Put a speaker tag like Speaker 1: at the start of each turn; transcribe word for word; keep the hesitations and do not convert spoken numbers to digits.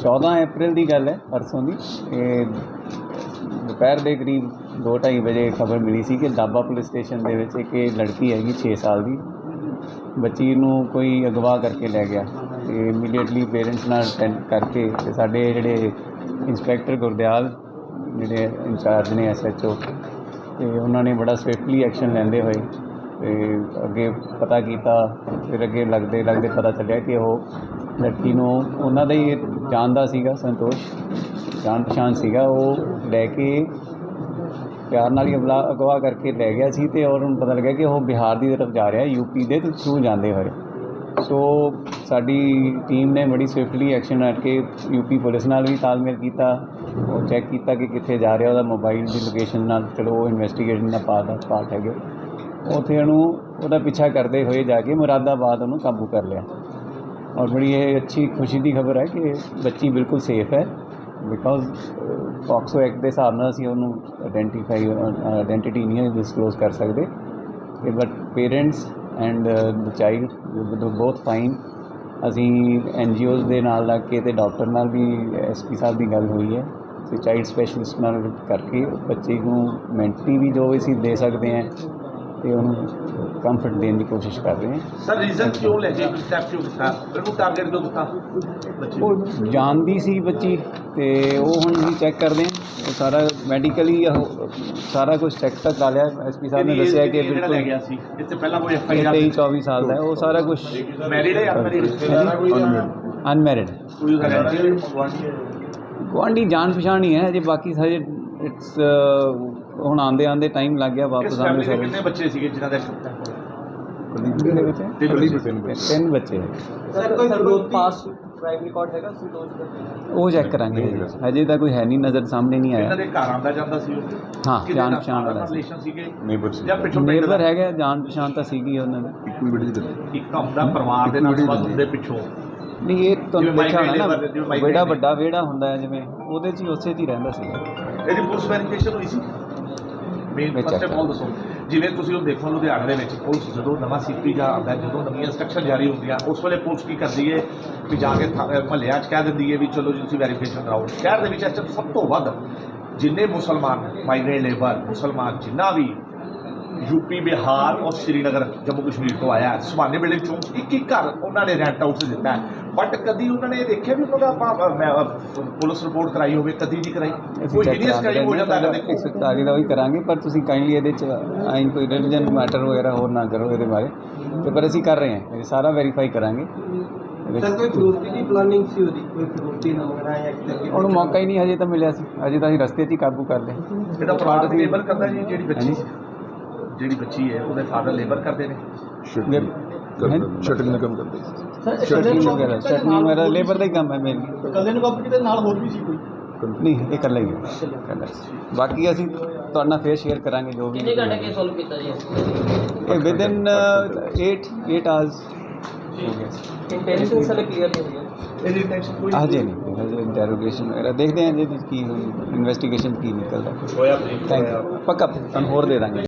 Speaker 1: चौदह अप्रैल की गल है, परसों की दोपहर के करीब दो ढाई बजे खबर मिली सी कि दाबा पुलिस स्टेशन के विच एक लड़की हैगी छे साल की बच्ची नूं कोई अगवा करके लै गया। तो इमीडिएटली पेरेंट्स नाल अटैंड करके ते साडे जिहड़े इंस्पैक्टर गुरदयाल जिहड़े इंचार्ज ने एस एच ओ तो उन्होंने बड़ा स्विफ्टली एक्शन लैंदे हुए ते अगे पता किया। फिर अगे लगते लगते पता चलिया कि वो लड़की नूं उन्हां दा ही जानदा सीगा, संतोष जान पछाण सीगा, वो लैके प्यार नाल ही अगला अगवा करके लै गया सी ते और उन्हें पता लगा कि वह बिहार की तरफ जा रहा, यूपी के थ्रू जाते हुए। सो साडी टीम ने बड़ी स्विफ्टली एक्शन लैके यूपी पुलिस नाल भी तालमेल किया, और चैक किया कि कित्थे जा रहा, वह मोबाइल की लोकेशन नाल चलो वो इन्वेस्टिगेशन का पार्ट पार्ट है। उत्थे उहदा पीछा करते हुए जाके मुरादाबाद उन्होंने काबू कर लिया। और बड़ी ये अच्छी खुशी की खबर है कि बच्ची बिल्कुल सेफ है, बिकॉज पॉक्सो एक्ट के हिसाब नाल असीं उहनूं आइडेंटिफाई आइडेंटिटी नहीं डिसक्लोज कर सकते, but parents and the child both fine. असी एन जी ओज़ के नाल लग के डॉक्टर नाल भी एस पी साहब की गल हुई है, तो चाइल्ड स्पैशलिस्ट नाल करके बच्चे को मैंटली भी जो असीं दे सकते हैं तो उन्होंने कंफर्ट देने की कोशिश कर रहे हैं।
Speaker 2: सर रीजन क्यों लगे स्टैप क्यों किया, बिल्कुल टारगेट क्यों किया?
Speaker 1: वो जानती सी बच्ची तो वो हुण भी चैक करते हैं, वो सारा मैडिकली सारा कुछ चैक तक कर लिया। एस पी साहब ने दसिया कि बिल्कुल तेईस चौबीस साल का है, वो सारा कुछ अनमैरिड गुआढ़ी जान पछाण ही है अजे, बाकी सारे इट्स हुण आंदे आंदे टाइम लग गया वापस आने सारे।
Speaker 2: कितने बच्चे सीगे जिन्हां दे
Speaker 1: तीन बच्चे वो चैक करांगे, अजे तक कोई है नहीं, नज़र सामने नहीं आया। हाँ जान पछाण वाला नेबर है, जान पछाण तो सीगी नहीं। ये तुहानूं देखिया होना ना वेड़ा वड्डा वेड़ा हुंदा है जिवें उहदे च उसे च ही रहिंदा सीगा।
Speaker 2: ਇਹਦੀ ਪੁਲਿਸ ਵੈਰੀਫਿਕੇਸ਼ਨ ਹੋਈ ਸੀ ਮੇਨ ਫਸਟ ਆਫ ਆਲ ਦੱਸੋ, ਜਿਵੇਂ ਤੁਸੀਂ ਉਹ ਦੇਖੋ ਲੁਧਿਆਣੇ ਦੇ ਵਿੱਚ ਪੁਲਿਸ ਜਦੋਂ ਨਵਾਂ ਸੀਪੀ ਜਾਂ ਆਉਂਦਾ, ਜਦੋਂ ਨਵੀਆਂ ਇੰਸਟਰਕਸ਼ਨ ਜਾਰੀ ਹੁੰਦੀਆਂ ਉਸ ਵੇਲੇ ਪੁਲਿਸ ਕੀ ਕਰਦੀ ਹੈ ਵੀ ਜਾ ਕੇ ਮਹੱਲਿਆਂ 'ਚ ਕਹਿ ਦਿੰਦੀ ਹੈ ਵੀ ਚਲੋ ਜੀ ਤੁਸੀਂ ਵੈਰੀਫਿਕੇਸ਼ਨ ਕਰਾਓ। ਸ਼ਹਿਰ ਦੇ ਵਿੱਚ ਇਸ ਟਾਈਮ ਸਭ ਤੋਂ ਵੱਧ ਜਿੰਨੇ ਮੁਸਲਮਾਨ ਮਾਈਗ੍ਰੇਟ ਲੇਬਰ ਮੁਸਲਮਾਨ ਜਿੰਨਾ ਵੀ यूपी बिहार और श्रीनगर जम्मू कश्मीर तो आया सुभाने वेले चौंक एक एक घर उन्होंने रेंट आउट से दिता है, बट कभी उन्होंने देखा भी उन्होंने पुलिस रिपोर्ट कराई हो कभी नहीं कराई, कोई हीनियस क्राइम हो जाता है एक सौ चालीस का भी करांगे, पर तुसीं काइंडली ये आई कोई रिलीजन मैटर वगैरह होर ना करो ये बारे तो, पर असीं कर रहे हैं, ये सारा वेरीफाई करांगे। उन्होंने मौका ही नहीं हजे तो मिले, हजे तो असीं रस्ते 'च ही काबू कर लिया। ਜਿਹੜੀ ਬੱਚੀ ਹੈ ਉਹਦੇ ਫਾਦਰ ਲੇਬਰ ਕਰਦੇ ਨੇ,
Speaker 1: ਸ਼ਟਲਿੰਗ ਦਾ ਕੰਮ ਕਰਦੇ ਸਰ, ਸ਼ਟਲਿੰਗ ਵਗੈਰਾ ਸ਼ਟਲਿੰਗ ਵਗੈਰਾ ਲੇਬਰ ਦਾ ਹੀ ਕੰਮ ਹੈ ਮੇਨਲੀ। ਕੱਲੇ ਨੂੰ ਕਾਬੂ ਕੀਤੇ ਨਾਲ ਹੋਰ ਵੀ ਸੀ ਕੋਈ? ਨਹੀਂ ਇਹ ਇਕੱਲਾ ਹੀ ਹੈ, ਇਕੱਲਾ। ਬਾਕੀ ਅਸੀਂ ਤੁਹਾਡੇ ਨਾਲ ਫੇਰ ਸ਼ੇਅਰ ਕਰਾਂਗੇ ਜੋ ਵੀ। ਕਿੰਨੇ ਘੰਟੇ ਕੇ ਸੋਲਵ ਕੀਤਾ ਜੀ ਇਹ? Within eight eight hours हो गया। इंटेंशन सारे क्लियर हो गया, हजे नहीं हजे इंटेरोगेशन वगैरह देखते हैं जी की इन्वेस्टिगेशन की निकलता है। थैंक यू, पक्का होर दे देंगे।